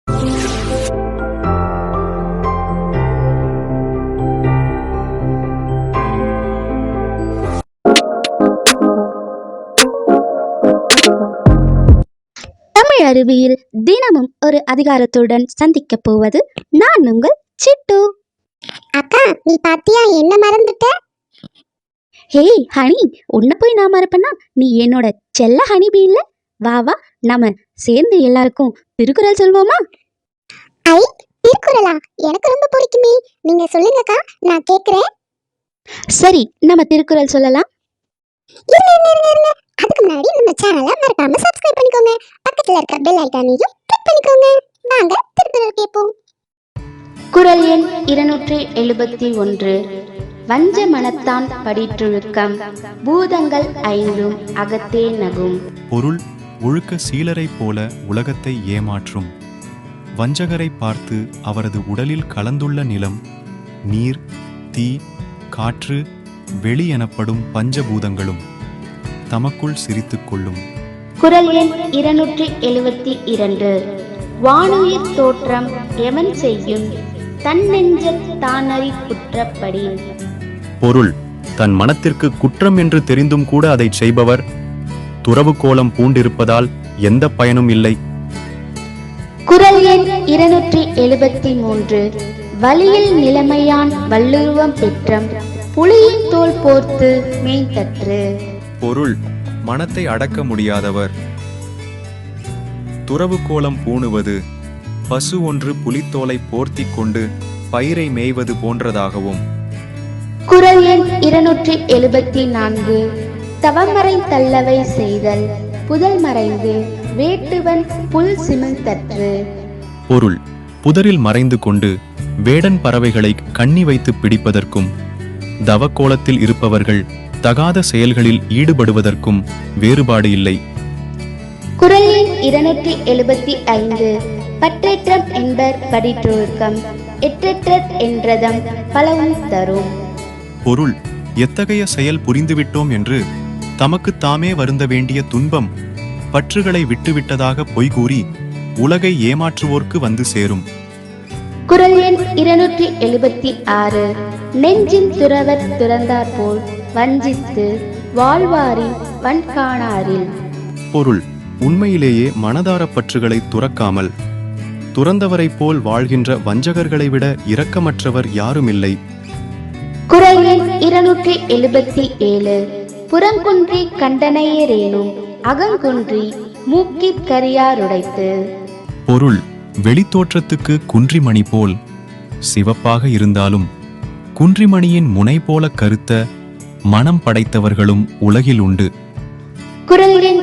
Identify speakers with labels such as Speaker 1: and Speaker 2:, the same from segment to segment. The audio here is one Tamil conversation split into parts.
Speaker 1: தமிழ் அறிவியல் தினமும் ஒரு அதிகாரத்துடன் சந்திக்க போவது நான் உங்கள் சிட்டு.
Speaker 2: அக்கா, நீ பாத்தியா என்ன மறந்துட்ட?
Speaker 1: ஹே ஹனி, உன்னை போய் நான் மறப்பேன்னா நீ என்னோட செல்ல ஹனிபி இல்ல? வா வா, நாம சேர்ந்து எல்லாருக்கும் திருக்குறள் சொல்வோமா?
Speaker 2: ஐ, திருக்குறளா? எனக்கு ரொம்ப பிடிக்குமே. நீங்க சொல்லுங்கக்கா, நான் கேக்குறேன்.
Speaker 1: சரி, நம்ம திருக்குறள் சொல்லலாம்.
Speaker 2: அதுக்கு முன்னாடி நம்ம சேனலை மறக்காம சப்ஸ்கிரைப் பண்ணிக்கோங்க. பக்கத்துல இருக்க பெல் ஐகானையும் கிளிக் பண்ணிக்கோங்க. வாங்க திருக்குறள் கேட்போம்.
Speaker 1: குறள் எண் 271. வஞ்ச மனத்தான் படிற்றொழுக்கம், பூதங்கள் ஐந்தும் அகத்தே நகும்.
Speaker 3: பொருள்: ஒழுக்க சீலரைப் போல உலகத்தை ஏமாற்றும் வஞ்சகரை பார்த்து அவரது உடலில் கலந்துள்ள நிலம், நீர், தீ, காற்று, வெளி எனப்படும் பஞ்சபூதங்களும் தமக்குள் சிரித்துக் கொள்ளும்.
Speaker 1: குறள் எண் 272. வானுயிர் தோற்றம் எவன் செய்யும், தன் நெஞ்சத் தானறி குற்றப்படி.
Speaker 3: பொருள்: தன் மனத்திற்கு குற்றம் என்று தெரிந்தும் கூட அதை செய்பவர் துறவு கோலம் பூண்டிருப்பதால் எந்த பயனும் இல்லை.
Speaker 1: குறள் எண் 273. வலியில் நிலைமையான் வள்ளுருவம் பெற்றம், புலியின் தோல் போர்த்து மேய்த்தற்று.
Speaker 3: பொருள்: மனத்தை அடக்க முடியாதவர் துறவு கோலம் பூணுவது பசு ஒன்று புலித்தோலை போர்த்தி கொண்டு பயிரை மேய்வது போன்றதாகவும்.
Speaker 1: குறள் எண் 274. தவமறை தள்ளவை செய்தல், புதல் மறைந்து வேட்டுவன் புல் சிமிழ்த்தற்று.
Speaker 3: பொருள்: புதரில் மறைந்து கொண்டு வேடன் பறவைகளை கண்ணி வைத்து பிடிப்பதற்கும் தவக்கோலத்தில் இருப்பவர்கள் தகாத செயல்களில் ஈடுபடுவதற்கும் வேறுபாடு இல்லை.
Speaker 1: குறள் எண் 275. பற்றேற்றம் என்பர் படிற்றொழுக்கம், எற்றெற்றற் என்றதம் பலவும் தரும்.
Speaker 3: பொருள்: எத்தகைய செயல் புரிந்துவிட்டோம் என்று தமக்கு தாமே வருந்த வேண்டிய துன்பம் பற்றுகளை விட்டுவிட்டதாக பொய்கூறி உலகை ஏமாற்றுவோர்க்கு வந்து சேரும்.
Speaker 1: குறள் எண் 276. நெஞ்சின் துறவர் துறந்தார் போல் வஞ்சித்து வாழ்வாரின் வன்காணாரில்.
Speaker 3: பொருள்: உண்மையிலேயே மனதார பற்றுகளை துறக்காமல் துறந்தவரைப் போல் வாழ்கின்ற வஞ்சகர்களை விட இரக்கமற்றவர் யாருமில்லை.
Speaker 1: குறள் எண் 277. புறங்குன்றி கண்டனையரேனும் அகங்குன்றி மூக்கிற் கரியாருடைத்து.
Speaker 3: பொருள்: வெளித்தோற்றத்துக்கு குன்றிமணி போல் சிவப்பாக இருந்தாலும் குன்றிமணியின் முனை போல கருத்த மனம் படைத்தவர்களும் உலகில் உண்டு.
Speaker 1: குறள் எண்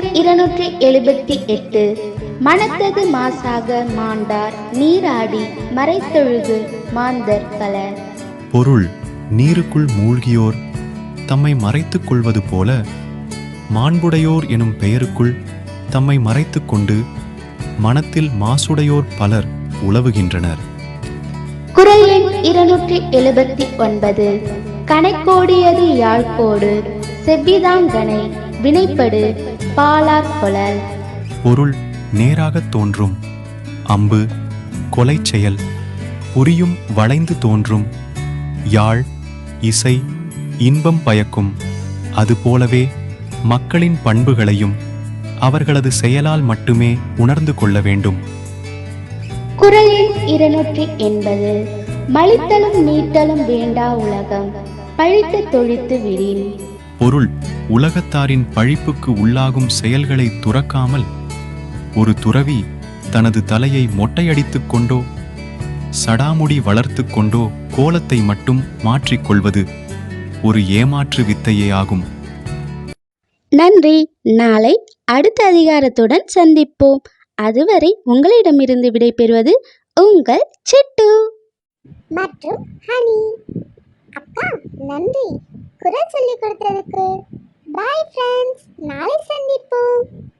Speaker 1: 278. மனத்தது மாசாக மாண்டார் நீராடி மறைத்தொழுகு மாந்தர் பல.
Speaker 3: பொருள்: நீருக்குள் மூழ்கியோர் தம்மை மறைத்துக் கொள்வது போல மாண்புடையோர் எனும் பெயருக்குள் தம்மை மறைத்துக் கொண்டு மனத்தில் மாசுடையோர் பலர் உலவுகின்றனர்.
Speaker 1: குறள் எண் 279. கணைக்கோடியது யாழ்கோடு செவ்விதாங்கனை வினைப்படு பாலார் கொளல்.
Speaker 3: பொருள்: நேராகத் தோன்றும் அம்பு கொலை செயல் புரியும் வளைந்து தோன்றும் யாழ் இசை இன்பம் பயக்கும். அதுபோலவே மக்களின் பண்புகளையும் அவர்களது செயலால் மட்டுமே உணர்ந்து கொள்ள வேண்டும்.
Speaker 1: குறள் எண் 280. மலித்தலும் நீட்டலும் வேண்டா உலகம், பழித்து தொழித்து விடின்.
Speaker 3: பொருள்: உலகத்தாரின் பழிப்புக்கு உள்ளாகும் செயல்களை துறக்காமல் ஒரு துறவி தனது தலையை மொட்டையடித்துக் கொண்டோ சடாமுடி வளர்த்து கொண்டோ கோலத்தை மட்டும் மாற்றிக்கொள்வது ஒரு ஏமாற்று வித்தையே ஆகும்.
Speaker 1: நன்றி. நாளை அடுத்த அதிகாரத்துடன் சந்திப்போம். அதுவரை உங்களிடமிருந்து விடைபெறுவது உங்கள் சிட்டு
Speaker 2: மற்றும் ஹனி. அக்கா, நன்றி குறள் சொல்லி கொடுத்ததுக்கு. பாய் ஃப்ரெண்ட்ஸ், நாளை சந்திப்போம்.